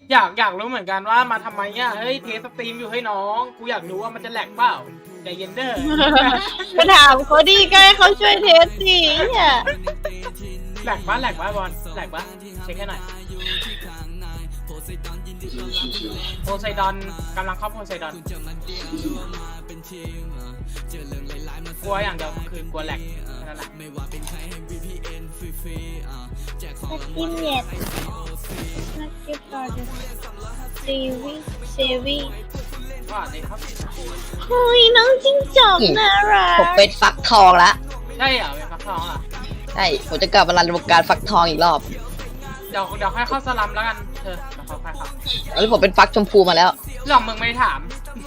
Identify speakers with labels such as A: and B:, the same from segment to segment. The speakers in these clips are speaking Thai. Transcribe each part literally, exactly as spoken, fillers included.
A: อยากอยากรู้เหมือนกันว่ามาทำไมเนี่ยเฮ้ยเทสสตรีมอยู่ให้น้องกูอยากรู้ว่ามันจะแหลกเปล่าใจเย็นเด้อ
B: ก็ถามเขาดีก็ให้เขาช่วยเทสสิเนี่ย
A: แหลกปะแหลกปะบอลแหลกปะเช็คให้หน่อยโพไซดอนกำลังเข้าโพไซดอนกลัวอย่างเดียวคือกลัวแหลกนั่นแหละ
B: นักกินเน็ตนักกินต่อเดซีวีซีวี
A: ว่าเลยครับ
B: เฮ้ยน้องจิ้งจอกน่ารัก
C: ผมเป็นฟักทองละ
A: ใช่เหรอเป็นฟักทองเหรอ
C: ใช่ผมจะกลับมารันวงการฟักทองอีกรอบ
A: เดี๋ยวเดี๋ยวค่อยเข้าสลัมแล้วกันเธอเดี๋ยวเขาค่อยเข้า
C: แล้วผมเป็นฟักชมพูมาแล้ว
A: เรื่องมึงไม่ถาม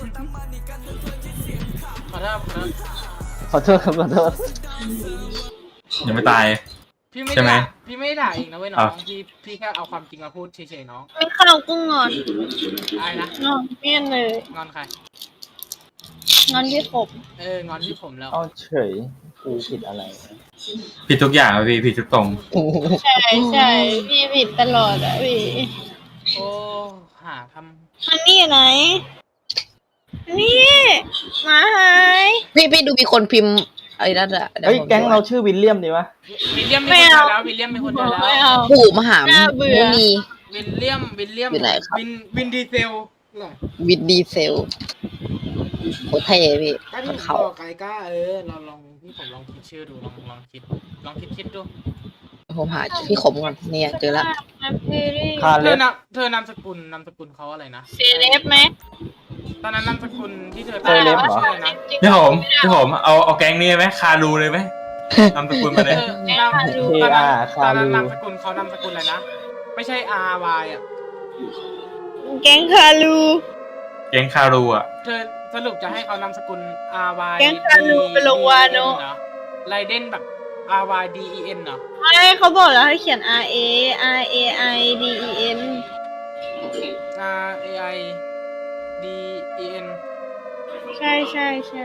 A: ขอโทษขอโทษ
D: ขอโทษครับขอโทษ
E: ยังไม่ตาย
A: พี่ไม่
E: ใช่ไหม
A: ด่าพี่ไม่ด่าเองนะเว้ยน้องพี่พี่แค่เอาความจริงมาพูดเฉยๆน้อง
B: ไม่เข้ากุ้งงอน
A: อะไรนะ
B: งอนเมี่ยนเลย
A: งอนใคร
B: งอนที่ผม
A: เอองอนที่ผมแล้ว
D: เอาเฉยกูผิดอะไร
E: ผิดทุกอย่างอะพี่ผิดทุกตรง
B: ใช่ใช่พี่ผิดตลอดอะพี่
A: โอ้หาท
B: มันนี่อยู่ไหน นี่หมาหาย
C: พี่พี่ดูมีคนพิมพ์อะไรนั่นอะดี๋ว
D: เฮ้ย
C: ผม
D: แก๊งเราชื่อวิลเลียมดีวะ
A: ำวิลเลียมมีคนเดียวแล้ววิลเลียมมีคนเดียวแล้ว
B: ไม่เอา
C: ปู่มหา
B: น่าเบื่อ
C: มุนี
A: วิลเลียมวิลเลียม
C: อยู่ไหนครับ
A: วินวินดีเซลเหรอ
C: วินดีเซลโคตรเท่พี่
A: ก็
C: มั
A: ที่
C: น
A: บ
C: เขา
A: อกไกก้าเออเราลองพี่ผมลองคิดชื่อดูลองลองคิดลองคิดคิดดู
C: ผมหาพี่ขมก่อนเนี่ยเจอละ
B: มาเพรี่
D: คา
A: เธ
D: เล็
A: อบ นามเธอนามสกุลนามสกุลเขาอะไรนะ
B: เซเลบไหม
A: ตอนนั้นนามสกุลที่เธอ
D: เซเลบเหรอ
A: ชื่ออะไรนะ
E: พี่ผมพี่ผมเอาเอาแก๊งนี้ไหมคารูเลยไหมนำตระกูลมาเลย
A: เออนามตอนนั้นตอนนั้นนามสกุลเขานามสกุลอะไรนะไม่ใช่ R Y อ่ะ
B: แก๊งคาลู
E: แก๊งคารูอ่ะ
A: เธอสรุปจะให้เขานามสกุล R Y
B: แก๊งคาลูไปลงวานโน
A: ไรเดนแบบ R Y D E N เหรอ
B: ไม่เขาบอกแล้วให้เขียน R A R A I D E N
A: R A I D E N
B: ใช่ใช่ใช่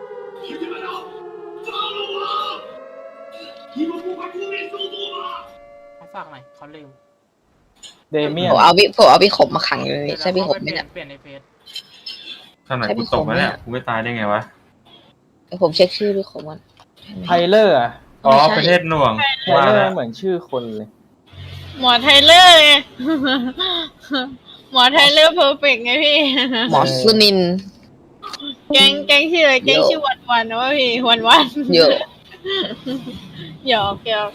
A: เขาฝากหน่อยเขาลืม
D: เดเมียน
C: ผมเอาพี่ผมเอาพี่ขมมาขังอยู่เลยใช่พี่ขมไหม
A: เปลี่ย
C: เนี่ย
A: นเปลี่ยนในเฟซ
E: ขนาดกูตกมาเนี่ยกูไม่ตายได้ไงวะ
C: เดี๋ยวผมเช็คชื่อพี่ขมก่อน
D: ไทเลอร์อะ
E: อ๋อ
C: ไม่ใช่
E: ประเทศหน่วง
D: ไท
E: ว่า
D: เลอ
E: แล้ว
D: ร์เหมือนชื่อคนเลย
B: หมอไทเลอร์ไง หมอไทเลอร์เพอร์เฟกไงพี่
C: หมอสุนิน
B: แก๊งแก๊งชื่ออะไรแก๊งชื่อวันวันนะวะพี่วันวัน
C: เยอะ
B: หยอกหยอก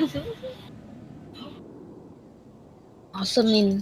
C: หมอสุนิน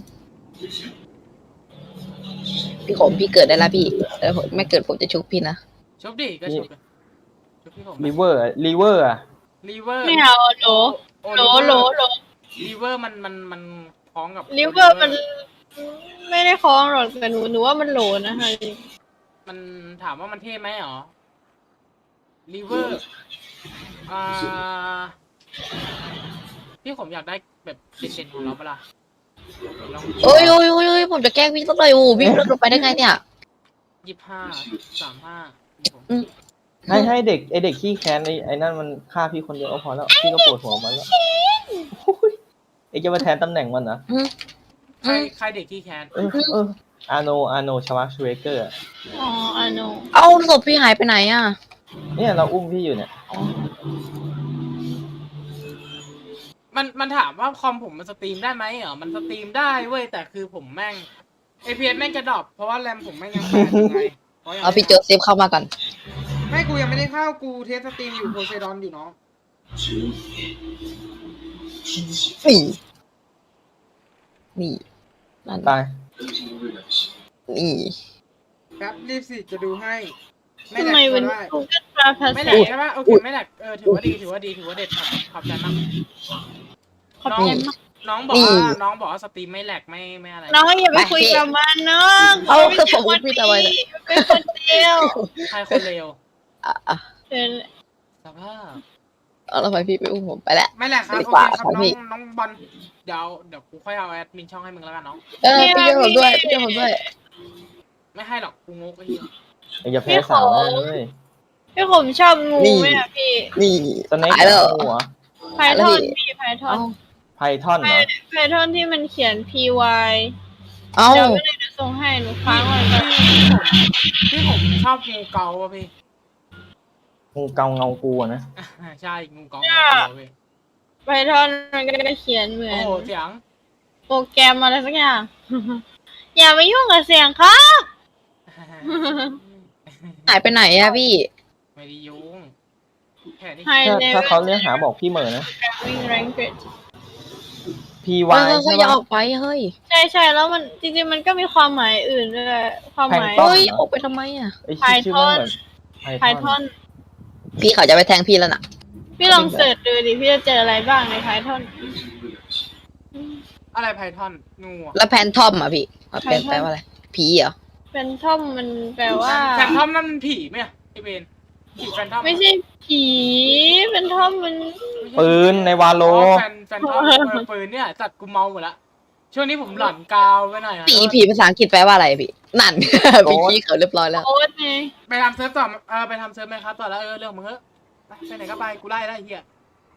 C: พี่ขมพี่เกิดได้แล้วพี่แล้วผมไม่เกิดผมจะชุบพี่นะ
A: ชุบดิก็ชุบเลยชุบพี่ผม
D: ลิเวอร์ลิเวอร์อะ
A: ลีเวอร์
B: ไม่เอาโหลโหลโหลโหล
A: ลีเวอร์มันมันมันคล้องกับ
B: ลิเวอร์มันไม่ได้คล้องหรอกแต่หนูหนูว่ามันโหลนะคะ
A: มันถามว่ามันเท่ไหมหรอลีเวอร์อ่าพี่ผมอยากได้แบบเด่นๆของเราเปะล่าลอง
C: โอ้ยโอ้ยโอ้ยโอ้ยผมจะแกล้งพี่สักหน่อยโอ้พี่ลดลงไปได้ไงเนี่ย
A: ยี่สิบห้าสามห้า
C: อืม
D: ให้ให้เด็กไอเด็กขี้แค้นไอไอนั่นมันฆ่าพี่คนเดียวก็พอแล้วพี่ก็ปวดหัวมันแล้วโอ้ยไอจะมาแทนตำแหน่งมันนะ
C: อืม
A: ใครใครเด็กที่แคน
D: เออเอออาโนอาโนชวาชเวเกอร์อะ
B: อ๋ออ่ะโน
C: เอาศพพี่หายไปไหนอ่ะ
D: เนี่ยเราอุ้มพี่อยู่เนี่ย
A: มันมันถามว่าคอมผมมันสตรีมได้ไหมเหรอมันสตรีมได้เว้ยแต่คือผมแม่งเอพีเอสแม่งจะดรอปเพราะว่าแรมผมแม่งยังแปดอยู่ไงพระยัง
C: เอาพี่โจเซฟเข้ามาก่อน
A: ไม่กูยังไม่ได้เข้ากูเทสสตรีมอยู่โพไซดอนอยู่เนาะ
C: นี่นี่นั่น
D: ตาย
C: นี่
A: แป๊บรีบสิจะดูให้ไม่
B: ทำ
A: แหล
B: ไม
A: ก
B: วัน
A: ก็ได้
B: กูก็ปลาภา
A: ไม่แหล
B: ษาก
A: ใช่ปะโอเคไม่แหลกเออถือว่าดีถือว่าดีถือว่าเด็ดขอบขอบใจมาก
B: ขอบ
A: น้อง
B: ใจมาก
A: น้องบอกว่าน้องบอกว่าสตรีมไม่แหลกไม่ไม่อะไร
B: น้องอย่าไปคุยกับมันน้อง
C: เอาคือผมอุ้มพี่ตะไว้เลย
B: เป็นคนเดียว
A: ใครคนเลว
C: อ่ะอ่ะ
B: เป็น
A: สภาพ
C: เอาแล้วไปพี่ไปอุ้มผมไปแล้ว
A: ไม่แหลกครับ
C: ดี
A: โอก
C: ว่า
A: เคครับ
C: ของ
A: น้อ
C: พี่
A: งน้องบอลเดี๋ยวเดี๋ยวกูค่อยเอาแอดมินช่องให้มึงแล้วกันน้อง
C: เออพี่ช่วยผมด้วยพี่ช่วยผมด้วย
A: ไม่ให้หรอกกูงกไอ้เหี้ย
D: ไออย่าแพ้สาวนะเลย
B: พี่ผมชอบงู
C: นี่
B: ไหมอ่ะพี่
C: นี่
D: สเน็ก
C: ตายแล้ว
D: หัว
B: ไพทอนพี่ไพทอ
C: เอา
B: น
D: ไพทอนเหรอ
B: ไพทอนที่มันเขียน P Y
C: เอ้า
B: เดี๋ยวไม่ได้จะส่งให้หนูค้างไว้ก่อน
A: พี่ผมชอบงูเกาอ่ะพี่
D: งูเกาเงากูอะนะ
A: ใช่งูเกางูเกาพี่
B: ไพทอนมันก็จะเขียนเหมือ
A: โอ้
B: น
A: โหเสียง
B: โปรแกรมอะไรสักอย่าง อย่าไปยุ่งกับเสียงครับ
C: หายไปไหนอะพี่
A: ไม่ได้ยุ่งแค่นี้
B: High
D: ถ้า
B: level
D: ถ้าเขาเรียกหาบอกพี่เหมอนะ
B: programming language
D: พี
C: เฮ้
D: วาย
C: ย
D: ใช่
C: อย่า
D: ปะ
C: ออกไปเฮ้ย
B: ใช่ใช่แล้วมันจริงๆมันก็มีความหมายอื่นด้วยความหมาย
D: ต้น
C: เฮ้ยออกไปทำไมอะ
D: ไอชื่อชื่อมันเหมือน
B: Python
C: พี่เขาจะไปแทงพี่แล้วน่ะ
B: พี่ลองเสิร์ชดูดิพี่จะเจออะไรบ้างใน Python
A: อะไรไพทอนงูอะ
C: แล้วแพนทอมอะพี่มันเป็น
B: Phantom
C: แปลว่าอะไร ผีเหรอ
B: เป็นทอมมันแปลว่า
A: แฟนทอมนั่นมันผีไหมอะไอเบนผีแฟนทอม
B: ไม่ใช่ผีเป็นทอมมัน
D: ปืนในวาโล
A: อ๋อแฟนแฟนทอมเออปืนเนี่ยจัดกูเมาหมดละช่วงนี้ผมหลอนกาวไปหน่อยอะ
C: ผีผีภาษาอังกฤษแปลว่าอะไรพี่ นั่น พี่ขี้เขาเรียบร้อยแล้ว
B: โอ๊ตไง
A: ไปทำเซิร์ฟต่อเออไปทำเซิร์ฟไหมครับต่อแล้วเออเรื่องมึงเถอะไปไปไหนก็ไปกูไล่ได้ไอ้เหี้ย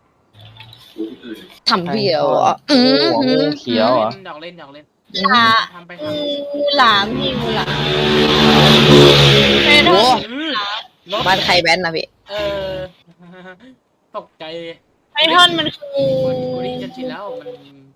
C: ทำพี่เหรออื
D: หัว
C: ม
D: งูเขียวเหรอ
A: หยอกเล่นหยอกเล่น
B: หลา
A: ทำไป
B: งู
A: ทำ
B: หลามพี่งูหลามไพท
C: โอ้
B: อน
A: อืมลบ
C: บ้านใครแบนนะพี่
A: เออ ตกใจ
B: ไพทอนมันคืองู
A: กูได้ยินกันชินแล้วมัน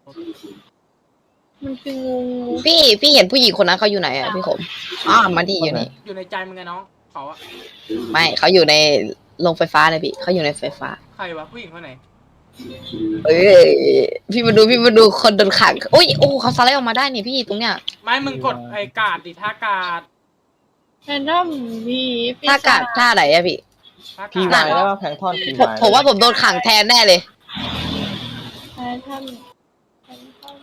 B: มันคืองู
C: พี่พี่เห็นผู้หญิงคนนั้นเขาอยู่ไหนอะพี่ขมอ้าวมาดีอยู่นี่
A: อยู่ในใจมึงไงน้องเขาอะ
C: ไม่เขาอยู่ในโรงไฟฟ้าเลยพี่เขาอยู่ในไฟฟ้า
A: ใครวะผู้หญิงคนไหน
C: เอ้ยพี่มาดูพี่มาดูคนโดนขังโอ้ยโอ้เขาสไลด์ออกมาได้นี่พี่ตรงเนี้ย
A: ไม่มึงกดไอ้กาดดิท่ากาด
B: แพทอนมีปี
C: ท่ากาศท่าไหนอะพี่
A: ท่า
D: พี
A: กาด
D: วายแล้วว่าแพงทอนพี
C: ผม
D: วาย
C: ผมว่าผมโดนขังแทนแน่เลย
B: แพทอนแพทอน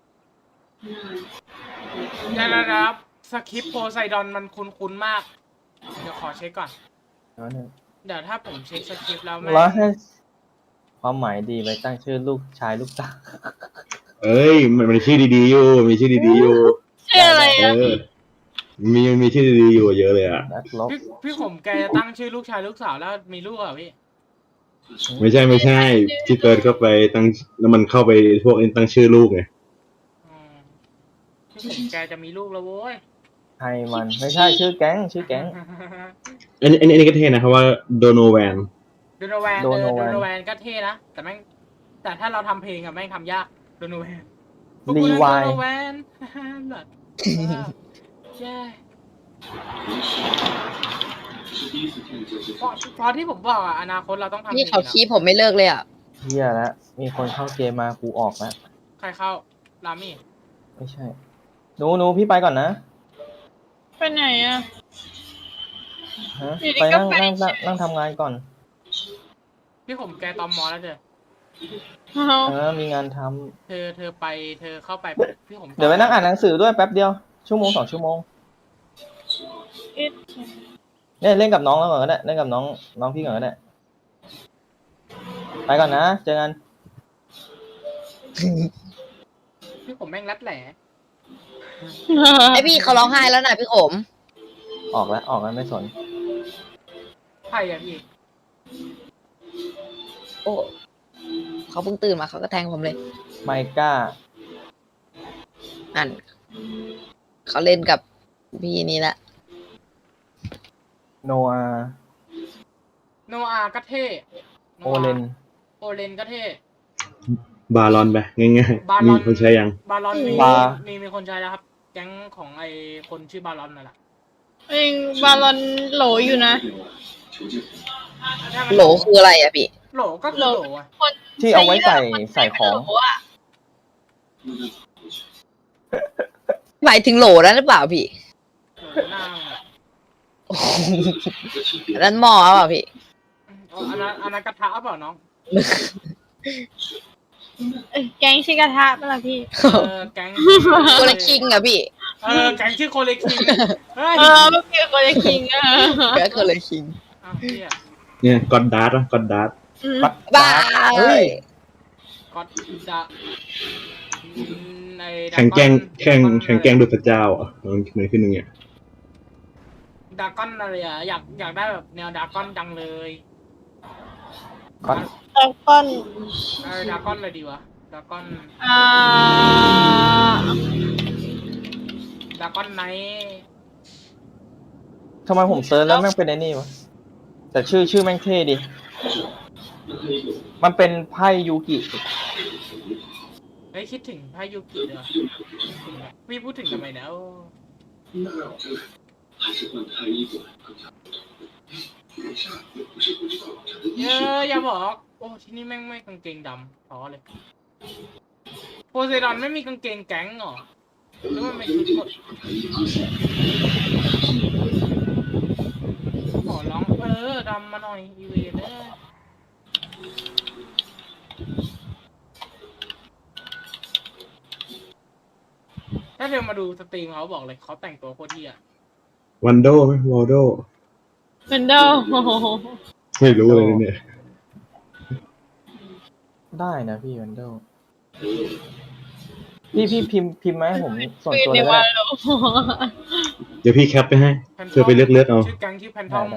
A: เดี๋ยวนะครับสคริปต์โพไซดอนมันคุ้นๆมาก เดี๋ยวขอเช็คก่อน เดี๋ยวถ้าผมเช็คสคริปต์แล้วแม่ง
D: ร้อยห้าความหมายดีไปตั้งชื่อลูกชายลูกสาว
F: เอ้ยมันมันชื่อดีๆอยู่มีชื่อดีๆอยู่
B: ชื่ออะไร
F: เอ
B: อ่ะ
F: อมีมีชื่อดีๆอยู่เยอะเลยอ่ะ
D: นักลบ
A: พี่พี่ผมแกจะตั้งชื่อลูกชายลูกสาวแล้วมีลูกเหรอพี่
F: ไม่ใช่ไม่ใช่ที่เติร์ดเข้าไปตั้งแล้วมันเข้าไปพวกนี้ตั้งชื่อลูกไง
A: อืมพี่ผมแกจะมีลูกแล้วโว้ย
D: ไทยมันไม่ใช่ชื่อแก๊งชื่อแก๊ง
F: อันนี้อันนี้อันนี้ก็เท่นะครับว่าโดโนแวน
A: โดโนแวนเออ
D: Donovan
A: โดโนแวนก็เท่นะ แต่แม่งแต่ถ้าเราทำเพลงอะแม่งทำยากโดโนแวน
D: รีวาย
A: โดโนแวน แบบแย่เพราะเพราะที่ผมบอกอะอนาคตเราต้องทำเพล
C: พี่
A: ง
C: เขา
A: อะ
C: คีบผมไม่เลิกเลยอะ
D: เฮียแล้วมีคนเข้าเกมมากูออกแล้ว
A: ใครเข้ารามี่
D: ไม่ใช่หนูหนูพี่ไปก่อนนะ
B: ไปไหนอ่ะ
D: ฮะ
B: อยู่ดี
D: ไป
B: ก็
D: นั่ง
B: ไป
D: นั่งนั่งนั่งทำงานก่อน
A: พี่ผมแกตอมมอแล้วเธอ
B: เอา
D: เออมีงานทำ
A: เธอเธอไปเธอเข้าไปพี่ผม
D: เดี๋ยวไปนั่งอ่านหนังสือด้วยแป๊บเดียวชั่วโมงสองชั่วโมง
B: อิด
D: เนี่ยเล่นกับน้องแล้วก่อนก็ได้เล่นกับน้องน้องพี่ก่อนก็ได้ไปก่อนนะเจอกัน
A: พี่ผมแม่งรัดแหล่
C: ไอพี่เขาร้องไห้แล้วนะพี่ขม
D: ออกแล้วออกแล้วไม่สน
A: ใครอะพี่
C: โอ้เขาเพิ่งตื่นมาเขาก็แทงผมเลย
D: ไมก้า
C: นั่นเขาเล่นกับพี่นี่แหละ
D: โนอา
A: โนอาก็เท่
D: โอเลน
A: โอเลนก็เท่
F: บารอนไปง่าย
A: บา
F: ๆ
A: ล
F: มี
A: อน
F: คนใช้ยัง
A: บาลอนมี
D: บา
A: มีมีคนใช้แล้วครับ แก๊งของไอคนชื่อบาลอนนั่นแหละ
B: เองบาลอนโหลอยู่นะ
C: โหลคืออะไรอะพี่
A: โหลก็คือโหลอะ
B: คน
D: ที่เอาไว้ใส่ใส่ของ
B: โหลอะ
C: หมายถึงโหลนั้นหรือเปล่าพี่
A: โหลหน้ามึงอะ
C: อันนั้นหมอเปล่าพี่
A: อ๋ออันนั้นอันนั้นกระทะเปล่าน้อง
B: เอ้ยแกงชิกระทะเปะล่าพี่
A: เออแก๊ง
C: โคเลคิงอะพี่
A: เออแก๊งชื่อโคเลคิงเฮ้ย
B: เออเมื่อกี้คนจะคิงเออ
C: แกโคเลคิง
A: อ้าวเหี้ย
F: เนี่ยกอดดาร์ตกอดดาร์ต
B: อืม
C: บ้า
D: เฮ้ย
A: ก็ดะในดะ
F: แข่งแกล้ง
A: อน
F: แข่ง
A: ดะอน
F: แข่งแกล้งดูพระเจ้าอ่ะมันมันขึ้นอย่างเงี้ย
A: ดากอนอะไรอะอยากอยากได้แบบแนวดากอนจังเลย
D: ก่อน
B: ตะก้อน
A: เออดากอนเลยดีวะดากอน
B: อ่า
A: ก้อนไนท์
D: ทำไมผมเซิร์ชแล้วแม่งเป็นไอ้นี่วะแต่ชื่อชื่อแม่งเท่ดิมันเป็นไพ่ยูกิ
A: เฮ้ยคิดถึงพายุกิเหรอพี่พูดถึงทำไมนะโอ้เยอะอย่าบอกโอ้ที่นี่แม่งไม่กางเกงดำท้อเลยโพไซดอนไม่มีกางเกงแก๊งเหรอหรือว่าไม่ชุดหมดขอร้องเออดำมาหน่อยอีเวนเนอร์ถ้าเธอมาดูสตรีมเขาบอกเลยเขาแต่งตัวโคตรเที่ย
F: วันโดไหมวอลโด
B: เป็นเดา
F: ไม่รู้เลยเนี่ย
D: ได้นะพี่วันเดลพี่พี่พิมพ์พิมพ์มาให้ผมส่วน
B: เป็น
D: ตัว
B: ใน
D: เลย
B: วั
D: ก็
B: น
D: ได้
B: โล
F: เดี๋ยวพี่แคปไปให้
A: แพนท
F: เธอไปเลือกเลือกเอา
A: ชื่อแก๊งชื่อแพนท
D: ได้
A: อม
D: ได้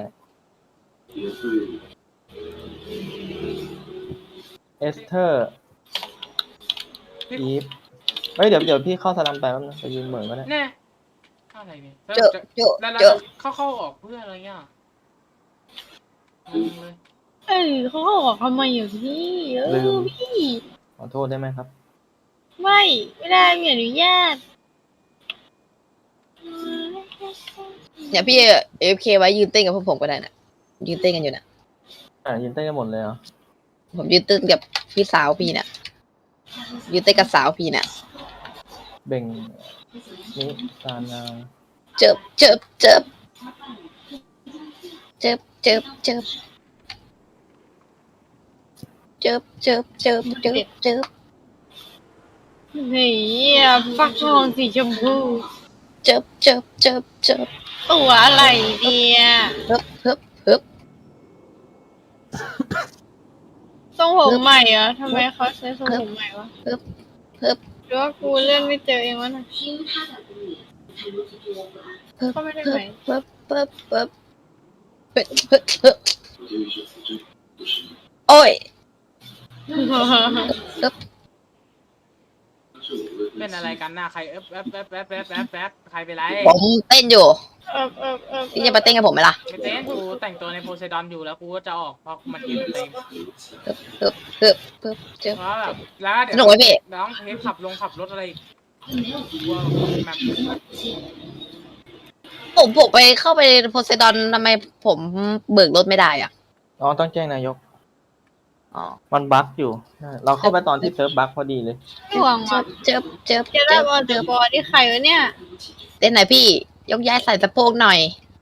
D: เอสเธอร์
A: พี่
D: อีฟเฮ้ยเดี๋ยวเดี๋ยวพี่เข้าสลัมไปแป๊บนึงไปยืนเหมือนก็ได้
A: แน่อะไรเนี่ยแล้ว
C: เจอ
A: จะ
C: เจอ
A: แล้วเรา
C: เจอ
A: จะเข้าเข้าออกเพื่ออะไรเงี้ยงงเลย
B: เออเขาก็บอกทำไมอยู่พี่เออพี่
D: ขอโทษได้ไหมครับ
B: ไม่ไม่ได้ไม่อนุญาต
C: เนี่ยพี่เอฟเคไว้ยืนเต้นกับพวกผมก็ได้นะยืนเต้นกันอยู่นะ
D: อ่ายืนเต้นกันหมดเลยเหรอ
C: ผมยืนเต้นกับพี่สาวพี่น่ะยืนเต้นกับสาวพี่น่ะ
D: เบ่งนิซานา
C: เจิบเจิบเจิบเจิบเจิบเจิบเจิบเจิบเจิบเจิบเจิบ
B: เฮ้ยฟักทองสีชมพู
C: เจิบเจิบเจิบเจิบ
B: ตัวอะไรเนี่ย
C: เฮิบเฮิบเฮิบ
B: ทรงผมใหม่เหรอทำไมเขาใช้ทรงผมใหม่วะ
C: เฮิบเฮิบ
B: หรือว่ากูเลื่อนไม่เจอเองวะน่ะ
C: เฮิบ
B: ก็ไม่ได้
C: เฮิ
B: ไหม
C: บเฮิบเฮิบเฮิบเฮิบเฮิบเฮิบโอ้ยเฮิบ
A: เป็นอะไรกันหน้าใครเอ๊บแอ๊บแอ๊บแอ๊บแอ๊บแอ๊บแอ๊บใครไปไร
C: ผมเต้นอยู่
B: เออเออเออ
C: พี่จะมาเต้นกับผมไหมล่ะ
A: ไม่เต้นกูแต่งตัวในโพไซดอนอยู่แล้วกูก็จะออกเพราะมันคิวเต็ม
C: เฮิบเฮิบเฮิบเจิบ
A: เพราะแบบแล้วเดี๋ย
C: สนุกไหมพี่
A: น้องเทปขับลงขับรถอะไรอีกกลัวแบบ
C: ผมผมไปเข้าไปโพไซดอนทำไมผมเบิกรถไม่ได้อ่ะ
D: อ๋อต้องแจ้งนายก
C: อ๋อ
D: มันบั๊กอยู่ใช่เราเข้าไปตอนที่เซิร์ฟบั๊กพอดีเลย
B: ห่วง
C: เจิ
B: ว่ะ
C: บเจิบเจิบ
B: เจะได้บอลเดอะบอลที่ใครวะเนี่ย
C: เต้นไหนพี่ ยกย้ายใส่สะโพกหน่อย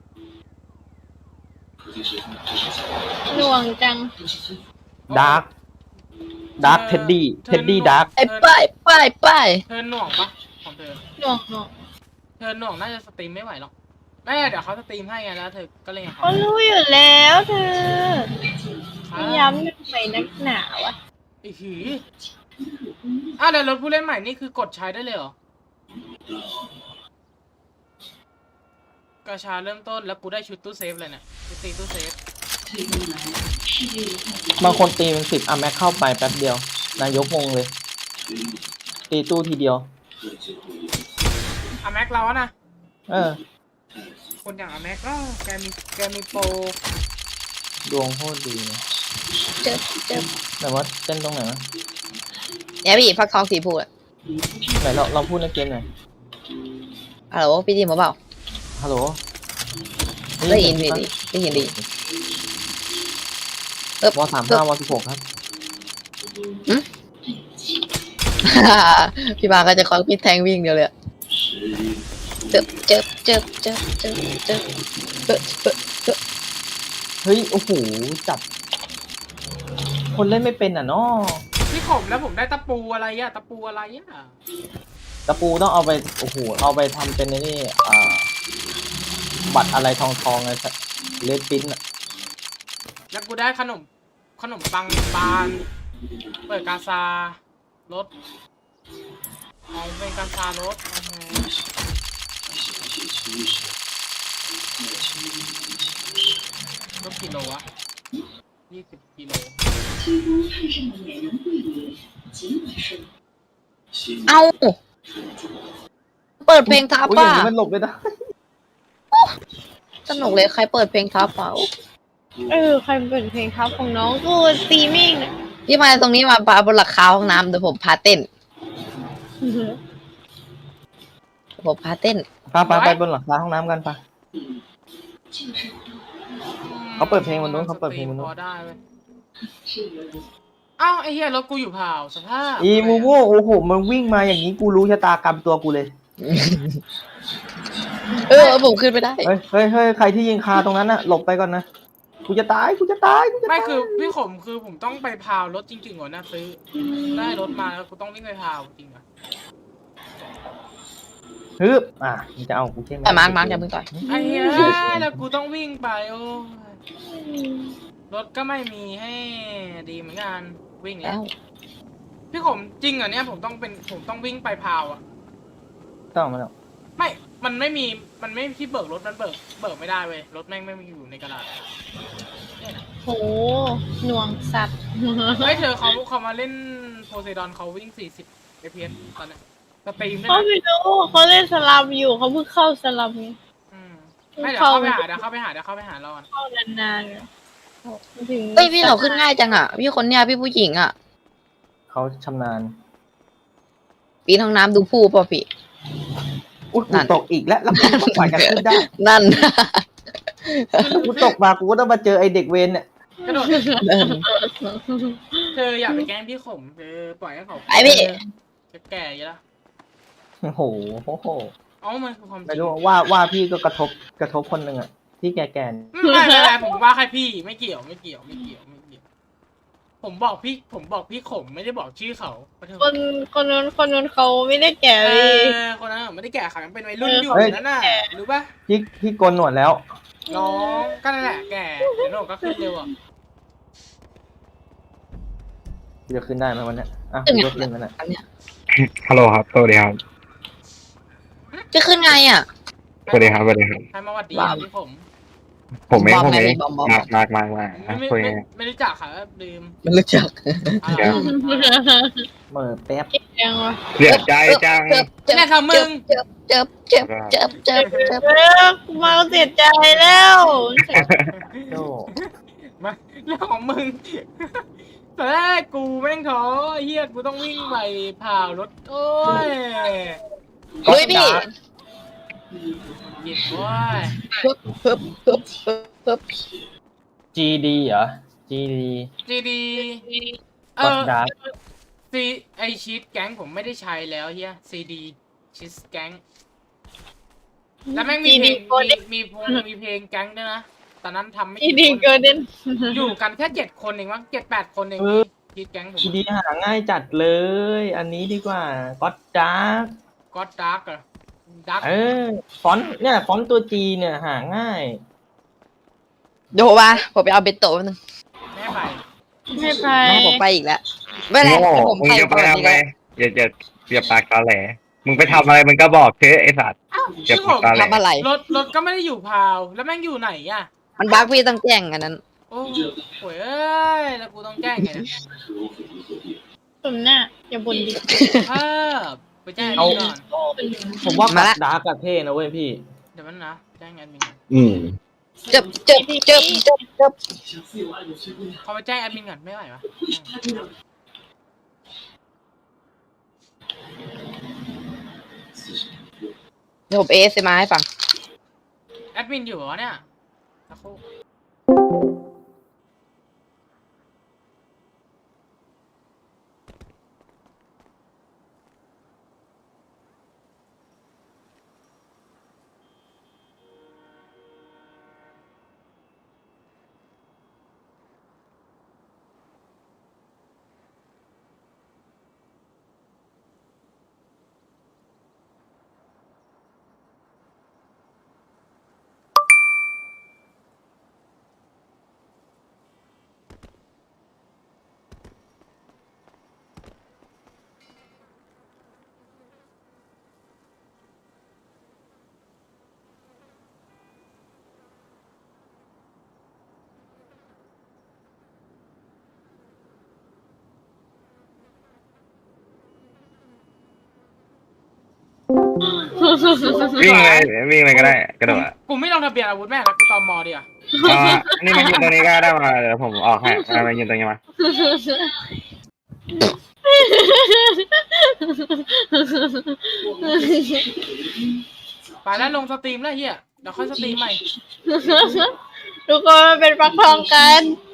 B: หน่วงจัง
D: ดาร์กดาร์กเท็ดดี้เท็ดดี้ดาร์ก
C: ไอ้ป้ายป้ายป้าย
A: เธอหน่วงปะของเธอ
B: หน่วงหน่วง
A: เธอหน่วงน่าจะสตรีมไม่ไหวหรอกไม่เดี๋ยวเขาสตรีมให้ไงแล้วเธอก็เลย
B: เขารู้อยู่แล้วเธอย้ำทำไมนักหนาวะ
A: อีหีอ่ะเดี๋ยวรถผู้เล่นใหม่นี่คือกดใช้ได้เลยเหรอกระชาเริ่มต้นแล้วกูได้ชุดตู้เซฟเลยเนี่ยชุดตีตู้เซฟ
D: บางคนตีเป็นสิบอ่ะแม็กเข้าไปแป๊บเดียว นายกงงเลย ตีตู้ทีเดียว
A: อะแม็กเราอะนะ
D: เออ
A: คนอย่างอะแม็กก็แกมีแกมีโปร
D: ดวงโคตรดีเลย
C: เจิบเจิบ
D: แต่ว่าเต้นตรงไหนวะ
C: เนี่ยพี่ฟักทองสีพูดอะ
D: ไหนเราเราพูดในเกมหน่อย
C: ฮัลโหลพี่ดีมาเปล่า
D: ฮัลโหล
C: ได้ยินพี่ดีได้ยินดีเอ๊บ
D: วสามห้าวสิบหกครับ
C: พี่บาก็จะคอยพี่แทงวิ่งเดียวเลยอะเจิบเจิบเจิบเจิบเจิบเจิบเจิบเจิบเจิบ
D: เฮ้ย โอ้โห จับ คนเล่นไม่เป็นอ่ะเนาะ
A: พี่ผมแล้วผมได้ตะปูอะไรอะตะปูอะไรอะ
D: ตะปูต้องเอาไป โอ้โห เอาไปทำเป็นไอ้นี่อ่า บัตรอะไรทองทองอะไรเลดปิ้นอ่ะ
A: แล้วกูได้ขนมขนมปังบานเปิดกาซารถเอาเป็นกาซารถโอเครถกิโลวะยี่สิบกิโล
C: เอาเปิดเพลงทับ
D: อุ้ยอ
C: ป่ะ
D: ย่างนี้มันหลบไม่ได้
C: สนุกเลยใครเปิดเพลงทับเปล่า
B: เออใครเปิดเพลงครับของน้องกูสตรีมมิ่งเนี่ย
C: พี่มาตรงนี้มาปาบนหลังคาห้องน้ำเดี๋ยวผมพาเต้นผมพาเต้น
D: พาไปไปบนหลังคาห้องน้ำกันปะ เขาเปิดเพลงบนนู้นเขาเปิดเพลงบนนู้น
A: พอได้เว้ยอ้าวไอ้เหี้ยรถกูอยู่เผาสภาพ
D: อีมูโม่โอ้โหมันวิ่งมาอย่างนี้กูรู้ชะตากรรมตัวกูเลย
C: เออผมขึ้นไปได้
D: เฮ้ยเฮ้ยเฮ้ยใครที่ยิงคาตรงนั้นน่ะหลบไปก่อนนะกูจะตายกูจะตายกูจะตาย
A: ไม่คือพี่ขมคือผมต้องไปพาวรถจริงๆก่อนนะซื้อได้รถมาแล้วกูต้องวิ่งไปพาวจริงอ่ะ
D: ฮึบอ่ะมึงจะเอากูใช่ไหม
C: แต่มาร์กมาร์กอย่าเพิ่งต่อย
A: ไอ้เหี้ยแล้วกูต้องวิ่งไปโอ้ยรถก็ไม่มีให้ดีเหมือนกันวิ่งแล้
C: แล้ว ว
A: พี่ขมจริงเหรอเนี่ยผมต้องเป็นผมต้องวิ่งไปพาวอ่ะ
D: ต้องมาแล้ว
A: ไม่ มันไม่มี มันไม่ที่เบิกรถ มันเบิก เบิกไม่ได้เว้ย รถแม่งไม่มีอยู่ในกระดาษเนี่ยนะ
B: โหหน่วงสัตว์
A: เฮ้ยเธอเขาเขามาเล่นโพไซดอนเขาวิ่ง สี่สิบ เอฟ พี เอส ตอนเนี้ยสตรีมด้วย
B: เขา
A: นะ
B: ไม่รู้เขาเล่นสลัมอยู่เขาเพิ่งเข้าสลัมไง
A: อืมไม่เดี๋ยวเข้าไปหา เดี๋ยวเข้าไปหา เดี๋ยวเข้าไปหาเราก่อน
B: เข้านานๆไงถึง
C: เฮ้ยพี่เราขึ้นง่ายจังอ่ะ พี่คนเนี้ยพี่ผู้หญิงอ่ะ
D: เขาชำนาญ
C: ปีนห้องน้ำดูผู้ป่ะพี่
D: อุ้ย
C: นั่
D: กู
C: น
D: ตกอีกแล้วแล้วกูต้องปล่อยกันขึ้นได้
C: นั่น
D: กูตกมากูก็ต้องมาเจอไอเด็กเวนเนี่ย
A: กระโดด
C: นั่น
A: เธออย่าไปแกล้งพี่ขมเธอปล่อยให้เขา
C: ไอ้พี่
A: จะแก่อยู่แล้ว
D: โอ้โหโอ้โห
A: เอ๋อมันคือความจ
D: ไม่
A: ริง
D: รู้ว่าว่าพี่ก็กระทบกระทบคนหนึ่งอะที่แก่ๆ
A: ไม่ไม่ไม่ผมว่าใครพี่ ไม่เกี่ยว ไม่เกี่ยว ไม่เกี่ยว ไม่เกี่ยว ผมบอกพี่ ผมบอกพี่ขมไม่ได้บอกชื่อเขาปะเถอะ
B: คนคนนู้นคนนู้นเขาไม่ได้แก่
A: เอ
B: เลย
A: อคนนั้นไม่ได้แก่ค่ะยังเป็นวัยรุ่นอยู่
D: เฮ้ย
A: นั่นน่ะรู้ปะ
D: พี่พี่โกนหนวดแล้ว
A: น้องก็นั่นแหละแก่เดี๋ยวโหนกก็ขึ้นเร็วอ่ะ
D: พี่จะขึ้นได้ไหมวันเนี้ยอ่ะ
C: ขึ้น
D: กู
C: ไง
D: ก็ขึ้นแล้วน่ะ
C: อันเนี้ย
E: ฮัลโหลครับ สวัสดีครับ
C: จะขึ้นไงอ่ะ
E: สวัสดีครับ สวัสดีครับ
A: ใครมาหวัดดี
C: ว้าว
A: พี่ผม
E: ผมเอง
C: บอม
E: ผมเอง
C: ไงบอมบอม
E: มากมากมากมาก
A: ไม่ไม่
E: คุย
A: ไม่
E: ไง
A: ไม่รู้จักค่ะลืม
C: มันรู้จัก
A: อะไร
E: เดี๋ยว
D: เหมื่อแป๊บ
B: ยังวะ
E: เสียใจจัง
C: เจ็บเจ็บ
A: เนี่ยค่ะมึง
C: เจ็บเจ็บเจ็บเจ็บเจ็บเจ็บ
B: เออมาเสียใจแล้ว
D: โจ้
A: มาเรื่องของมึงแต่แรกกูแม่งท้อไอ้เฮียกูต้องวิ่งไปผ่ารถโอ้ย
C: เฮ้ยพี่
A: หยิบโอ้ย
C: ปึ๊บปึ๊บปึ๊บปึ๊บปึ๊บ
D: จีดีเหรอจีดี
A: จีดีเอ
D: ก็
A: อ
D: ดาร์ก
A: ซีไอชีตแก๊งผมไม่ได้ใช้แล้วเฮียซีดีชีตแก๊งแล้วแม่งมีเพลงมีมีพงมีเพลงแก๊งด้วยนะตอนนั้นทำไม่
B: อี
A: กี่
B: ดี
A: คน
B: เกินเด่น
A: อยู่กันแค่เจ็ดคนเองมั้งเจ็ดแปดคนเองชีตแก๊งผม
D: จีดีหาง่ายจัดเลย อันนี้ดีกว่าก็ดาร์ก
A: ก็ดาร์กอะดาร์ก
D: เออฟอนต์เนี่ยฟอนต์ตัวจีเนี่ยหาง่าย
C: เดี๋ยวผมมาผมไปเอาเบนโต้แป๊บนึง
A: แม่ไป
B: ไม่ไป
C: แม่ผมไปอีกแล้วไม่เป็นไร
E: โง่
C: เดี๋ยวผม
E: มึง
C: ไป
E: จะไป
C: ก่อน
E: ทำ
C: ดี
E: ไง
C: กว่า
E: อย่าอย่าอย่าปากตาแหล มึงไปทำอะไรมึงก็บอกเถอะไอ้สัตว์อย่า
A: พี่ผ
E: ปาก
A: ม
E: ตาแหล
C: ทำอะไร
A: รถรถก็ไม่ได้อยู่พาว แล้วแม่งอยู่ไหนอะ
C: มันบั๊กพี่ต้องแจ้งอันนั้น
A: โอ้โหเอ้ยแล้วกูต้องแจ้งไงเนี่ย
B: สมหน้าอย่าบ่นดิ
A: ภาพไปแจ้งแอดมินก่อน
D: ผมว่า
C: มา
D: ก็
C: ละ
D: ดาร์กอะเท่นะเว้ยพี่
A: เดี๋ยวมันนะแจ้งแอดมินก่อน
F: อืม
C: เจ็บเจ็บเจ็บเจ็บเจ็บ
A: เขาไปแจ้งแอดมินก่อนไม่ไหวปะ
C: เดี๋ยวผมเอสมาให้ฟัง
A: แอดมินอยู่เหรอเนี่ยสักครู่
G: วิ่งเลยวิ่งเลยก็ได้กระโดดอ่ะ
A: กูไม่ลงทะเบียนอาวุธแม่งแล้วกูตอมอดีอ่ะ
G: อ่านี่มายืนตรงนี้ก็ได้มาเดี๋ยวผมออกให้มามายืนตรงนี้มา
A: ไปแล้วลงสตรีมแล้วเฮียเดี๋ยวค่อยสตรีมใหม่
B: ทุกคนมันเป็นฟักทองกัน